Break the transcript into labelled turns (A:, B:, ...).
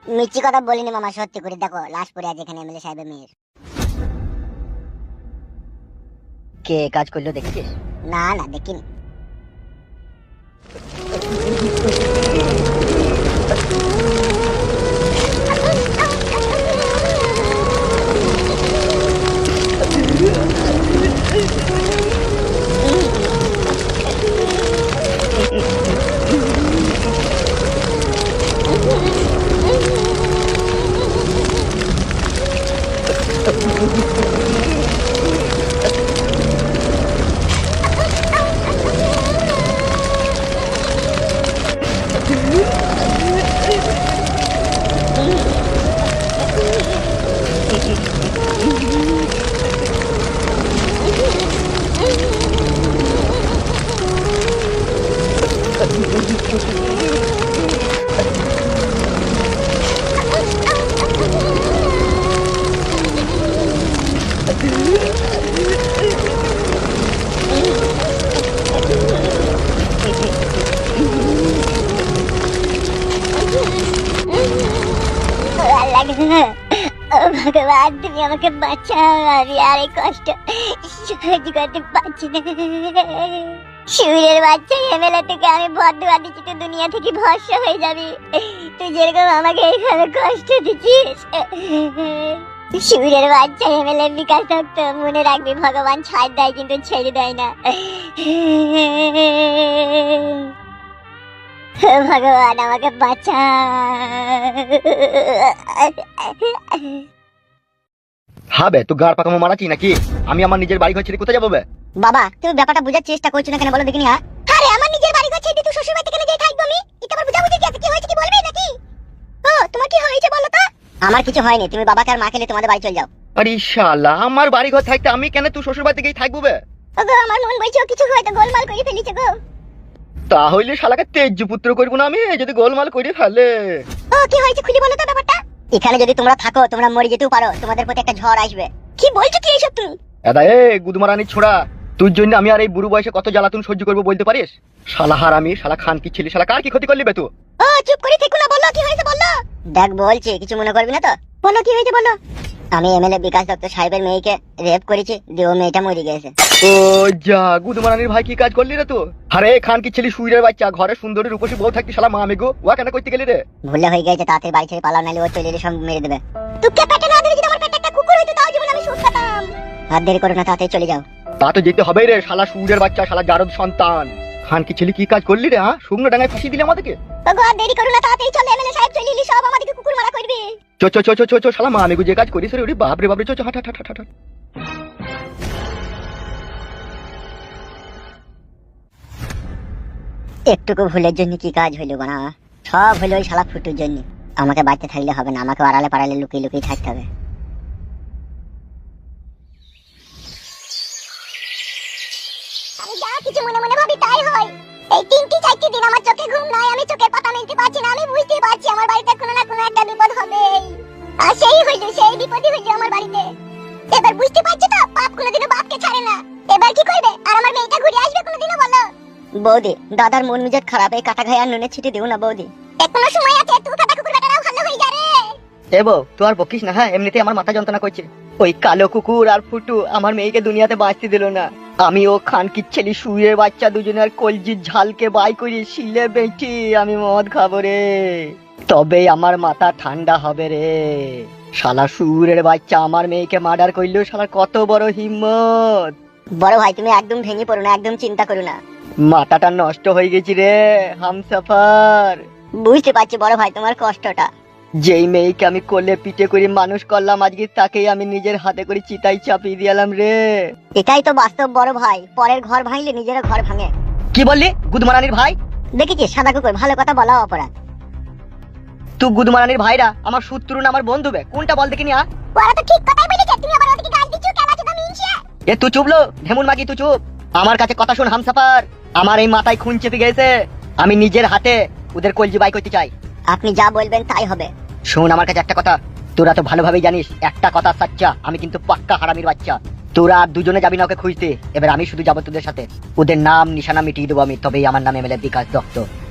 A: মিথ্যি কথা বলিনি মামা, সত্যি করে দেখো লাশ পড়ে আছে এখানে এমএলএ সাহেবের মেয়ের।
B: কে কাজ করলো দেখছিস?
A: না না দেখিনি। ভগবান তুমি আমাকে বাঁচাও, আমি আর এই কষ্ট সহ্য করতে পারছি না। সুরের বাচ্চা এমএলএ থেকে আমি বদদুয়া দিচ্ছি, তুই দুনিয়া থেকে ভস্ম হয়ে যাবি। তুই যেরকম আমাকে এখানে কষ্ট দিচ্ছিস। সুরের বাচ্চা এমএলএ বিকাশ দত্ত, মনে রাখবি ভগবান ছাড় দেয় কিন্তু ছেড়ে দেয় না। ভগবান আমাকে বাঁচা।
C: হবে তুই গাড় পাকামো মারাচ্ছি নাকি? আমি আমার নিজের বাড়ি ঘর ছেড়ে কোথায় যাবো বে?
A: বাবা তুমি ব্যাপারটা বোঝার চেষ্টা করছো না কেন বলো দেখিনি? হ্যাঁ আরে আমার নিজের বাড়ি ঘর ছেড়ে তুই শ্বশুর বাড়িতে কেন যাই থাকবো আমি? এটা আবার বুঝাবুঝি কি আছে? কি হয়েছে কি বলবি নাকি? ও তোমার কি হয়েছে বলো তো? আমার কিছু হয়নি, তুমি বাবাকে আর মাকে নিয়ে তোমাদের বাড়ি চলে যাও।
C: আরে শালা, আমার বাড়ি ঘর থাকতে আমি কেন তুই শ্বশুর বাড়িতে গিয়ে থাকবো বে?
A: ওগো আমার মন বলছে ও কিছু হয়তো গোলমাল করে ফেলেছে গো।
C: তাহলে শালাকে তেজ পুত্র করবো না আমি যদি গোলমাল করে ফেলে?
A: ও কি হয়েছে খুলে বলো তো ব্যাপারটা। এখানে যদি তোমরা থাকো তোমরা মরে যেতেও পারো, তোমাদের প্রতি একটা ঝড় আসবে। কি বলছো কি এইসব তুমি?
C: দাদা এ গুদমারানি ছোড়া, তোর জন্য আমি আর এই বুড়ো বয়সে কত জ্বালাতন সহ্য করবো বলতে পারিস? শালা হারামি, শালা খান কি ছেলে, শালা কার কি ক্ষতি করলি বে তুই?
A: ও চুপ করে থেকো না, বলো কি হয়েছে বলো। দেখ বলছি, কিছু মনে করবি না তো? বলো কি হয়েছে বলো। আমি এমএলএ বিকাশ দত্ত সাহেবের মেয়েকে রেপ করেছি, দিয়ে ও মেয়েটা মরে গেছে।
C: ও যা, গুদমারানির ভাই কি কাজ করলি রে তুই? আরে খান কি ছেলে সুইরের বাচ্চা, ঘরে সুন্দরী রূপসী বউ থাকতে শালা মা মেগো ওয়া কেন করতে গেলি রে?
A: ভুলে হয়ে গেছে, তাড়াতাড়ি বাড়ি ছেড়ে পালাও, নাহলে ও চলে এলে সব মেরে দেবে। তুই পেটে না ধরে যদি আমার পেটে একটা কুকুর হইতো তাও জীবন আমি সুখ পেতাম। আর দেরি করো না, তাড়াতাড়ি চলে যাও।
C: তা তো যেতে হবে রে, শালা সুইরের বাচ্চা, শালা জারদ সন্তান। খান কি ছেলে কি কাজ করলি রে? হ্যাঁ, শুকনো ডাঙায় ফাঁসি দিলে আমাদেরকে।
A: ওগো আর দেরি করো না, তাড়াতাড়ি চলে, এমএলএ সাহেব চলে এলি, সব আমাদেরকে কুকুর মারা করবে।
C: চো চো চো চো চো চো, শালা মা মেগো যে কাজ করিস রে, ওরে বাপ রে বাপ রে, চো চো হাট হাট হাট হাট হাট।
A: একটুকু ভুলের জন্য কি কাজ হইলো না? সব হইলো ওই শালা ফুটুর জন্য। আমাকে বাড়িতে থাকলে হবে না, আমাকে আড়ালে পাড়ালে লুকিয়ে লুকিয়ে থাকতে হবে। আমি যা কিছু মনে মনে ভাবি তাই হয়। এই 3-4 দিন আমার চোখে ঘুম নাই, আমি চোখের পাতা মেলতে পারছি না। আমি বুঝতে পারছি আমার বাড়িতে কোনো না কোনো একটা বিপদ হবে। আর সেই হইলো, সেই বিপদই হইলো আমার বাড়িতে। এবার বুঝতে পারছি তো, বাপ কোনোদিনও বাপকে ছাড়ে না। এবার কি করবে? আর আমার মেয়েটা ঘুরে আসবে কোনোদিনও বলো? বৌদি, দাদার মন মেজাজ খারাপ, এই কাটা ঘায়ে আর নুনে ছিটে দিও না বৌদি। এখনো সময় আছে, তুই কাটা কুকুর বেটারাও ভালো হয়ে যাবে।
B: এ বউ তুই আর বকিস না, হ্যাঁ এমনিতেই আমার মাথা যন্ত্রণা করছে। ওই কালো কুকুর আর ফুটু আমার মেয়েকে দুনিয়াতে বাঁচতে দিল না। আমি ও খান কি ছেলে সুইয়ের বাচ্চা দুজনের কলজির ঝালকে বাই করে শিলে বেঁচে আমি মদ খাবো রে, তবে আমার মাথা ঠান্ডা হবে রে। শালা সুরের বাচ্চা আমার মেয়েকে মার্ডার করলো, শালার কত বড় হিম্মত।
A: বড় ভাই তুমি একদম ভেঙে পড়ো না, একদম চিন্তা করো না।
B: মাথাটা নষ্ট হয়ে গেছি রে হামসাফার।
A: বুঝতে পারছি বড় ভাই তোমার কষ্টটা।
B: যেই মেয়েকে আমি কোলে পিঠে করে মানুষ করলাম, আজকে তাকেই আমি নিজের হাতে করে চিতাই চাপিয়ে দিলাম রে।
A: এটাই তো বাস্তব বড় ভাই, পরের ঘর ভাঙলে নিজের ঘর ভাঙে।
B: কি বললি গুদমারানির ভাই?
A: দেখেছিস সাদা কুকুর, ভালো কথা বলা অপরাধ।
B: তুই গুদমারানির ভাইরা আমার শত্রু না আমার বন্ধু বে? কোনটা বল দেখিনি?
A: ওরা তো ঠিক কথাই বলেছে, তুমি আবার ওদিকে গাল দিচ্ছ কেন? আছো তুমি ইনশিয়া।
B: এ তুই চুপলো ঢেমুন মাগি, তুই চুপ। আমার কাছে কথা শুন হামসাফার, আমার এই মাথায় খুন চেপে গেছে, আমি নিজের হাতে ওদের কলজি বাই করতে চাই।
A: আপনি যা বলবেন তাই হবে।
B: শোন আমার কাছে একটা কথা, তোরা তো ভালোভাবেই জানিস একটা কথা সাচ্চা, আমি কিন্তু পাক্কা হারামির বাচ্চা। তোরা আর দুজনে যাবি না ওকে খুঁজতে, এবার আমি শুধু যাবো তোদের সাথে। ওদের নাম নিশানা মিটিয়ে দেবো আমি, তবেই আমার নাম এমএলএ বিকাশ দত্ত।